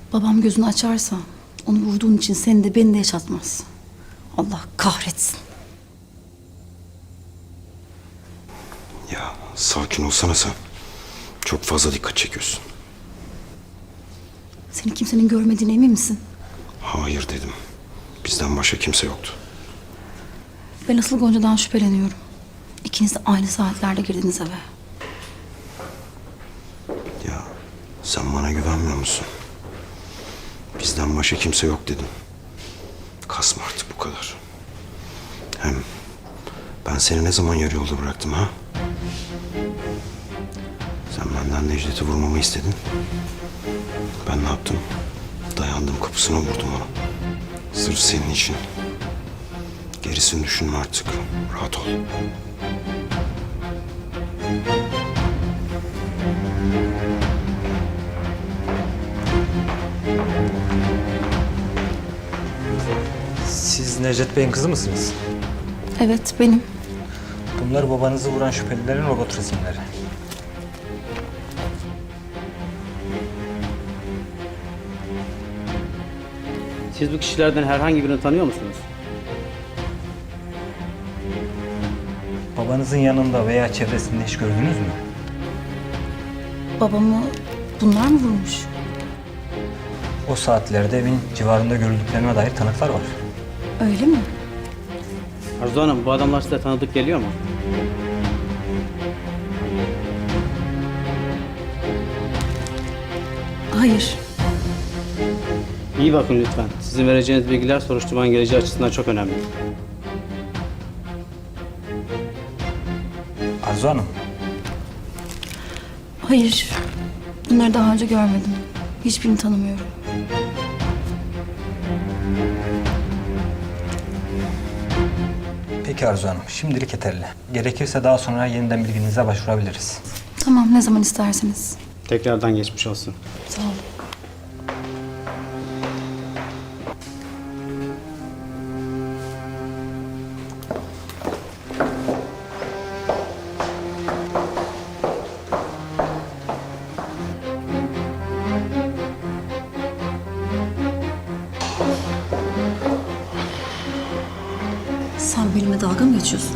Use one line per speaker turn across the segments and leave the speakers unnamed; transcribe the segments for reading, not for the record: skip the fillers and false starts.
Babam gözünü açarsa onu vurduğun için seni de beni de yaşatmaz. Allah kahretsin.
Ya sakin olsana sen. Çok fazla dikkat çekiyorsun.
Seni kimsenin görmediğine emin misin?
Hayır dedim. Bizden başka kimse yoktu.
Ben asıl Gonca'dan şüpheleniyorum. İkiniz de aynı saatlerde girdiniz eve.
Ya sen bana güvenmiyor musun? Bizden başka kimse yok dedim. Kasma artık bu kadar. Hem ben seni ne zaman yarı yolda bıraktım ha? Sen benden Necdet'i vurmamı istedin. Ben ne yaptım? Dayandım kapısına vurdum onu. Sırf senin için. Gerisini düşünme artık. Rahat ol.
Siz Necdet Bey'in kızı mısınız?
Evet, benim.
Bunlar babanızı vuran şüphelilerin robot resimleri.
Siz bu kişilerden herhangi birini tanıyor musunuz?
Babanızın yanında veya çevresinde hiç gördünüz mü?
Babamı bunlar mı vurmuş?
O saatlerde evin civarında görüldüklerine dair tanıklar var.
Öyle mi?
Arzu Hanım, bu adamlar size tanıdık geliyor mu?
Hayır.
İyi bakın lütfen. Sizin vereceğiniz bilgiler soruşturmanın geleceği açısından çok önemli.
Arzu Hanım,
Hayır. Bunları daha önce görmedim. Hiçbirini tanımıyorum.
peki Arzu Hanım, şimdilik yeterli. Gerekirse daha sonra yeniden bilginize başvurabiliriz.
Tamam, ne zaman isterseniz.
Tekrardan geçmiş olsun.
Sağ olun. Sen benimle dalga mı geçiyorsun?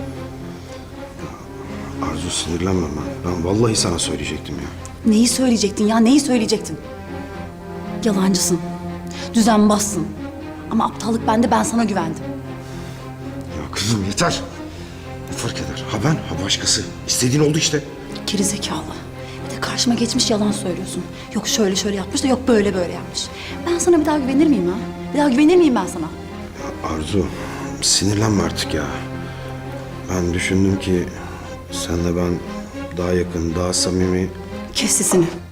Arzu sinirlenme ben. Ben vallahi sana söyleyecektim ya.
Neyi söyleyecektin ya? Neyi söyleyecektin? Yalancısın. Düzenbazsın. Ama aptallık bende, ben sana güvendim.
Ya kızım yeter. Ne fark eder? Ha ben, ha başkası. İstediğin oldu işte.
Geri zekalı. Bir de karşıma geçmiş yalan söylüyorsun. Yok şöyle şöyle yapmış da yok böyle böyle yapmış. Ben sana bir daha güvenir miyim ha? Bir daha güvenir miyim ben sana?
Ya Arzu sinirlenme artık ya. Ben düşündüm ki senle ben daha yakın, daha samimi.
Kes sesini.